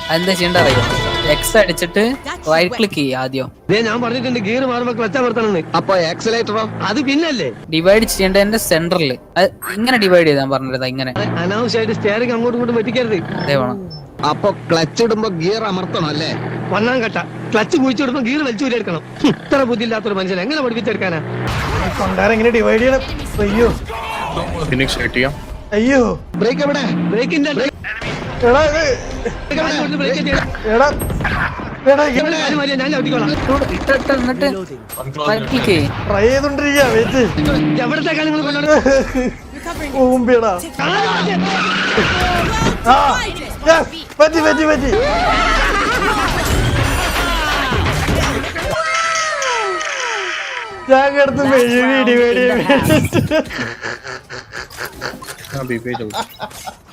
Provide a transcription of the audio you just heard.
അതെന്താ ചെയ്യേണ്ട അറിയോ? എക്സ് അടിച്ചിട്ട് റൈറ്റ് ക്ലിക്ക് ചെയ്യുക ആദ്യം. ഞാൻ പറഞ്ഞിട്ടുണ്ട് ഗിയർ മാറുമ്പോ ക്ലച്ച് അമർത്തണമെന്ന്. അപ്പൊ ആക്സിലേറ്ററോ? അത് പിന്നല്ലേ ഡിവൈഡ് ചെയ്യേണ്ടതിന്റെ സെന്ററിൽ ഇങ്ങനെ ഡിവൈഡ് ചെയ്താൽ പറഞ്ഞത് ഇങ്ങനെ അനാവശ്യമായിട്ട് സ്റ്റിയറിംഗ് അങ്ങോട്ടും ഇങ്ങോട്ടും വെട്ടിക്കരുത്. അതേ വേണം. അപ്പൊ ക്ലച്ച് ഇടുമ്പോ ഗിയർ അമർത്തണം അല്ലേ? ഒന്നാം ഘട്ട ക്ലച്ച് കുഴിച്ചെടുക്കുമ്പോ ഗിയർ വലിച്ചു എടുക്കണം. ഇത്ര ബുദ്ധിയില്ലാത്തൊരു മനുഷ്യൻ എങ്ങനെ പഠിപ്പിച്ചെടുക്കാനാ? കൊണ്ടാരെങ്ങനെ ഡിവൈഡ് ചെയ്യണം? അയ്യോ അയ്യോ ബ്രേക്ക് എവിടെ? ബ്രേക്കിന്റെ എടാ എടാ എടാ ഞാൻ ചവിട്ടിക്കോളാം. എന്നിട്ട് റൈറ്റ് ക്ലിക്ക് ചെയ്യും. ട്രൈ ചെയ്തോണ്ടിരിക്കാ വെച്ച് എവിടത്തെ കാര്യങ്ങൾ കൊണ്ടുവരണം? ഊമ്പിയടാ. ആ പറ്റി പറ്റി പറ്റി. ഞാൻ കിടന്ന് മെഴുകി ഡിവൈഡ് ചെയ്യാൻ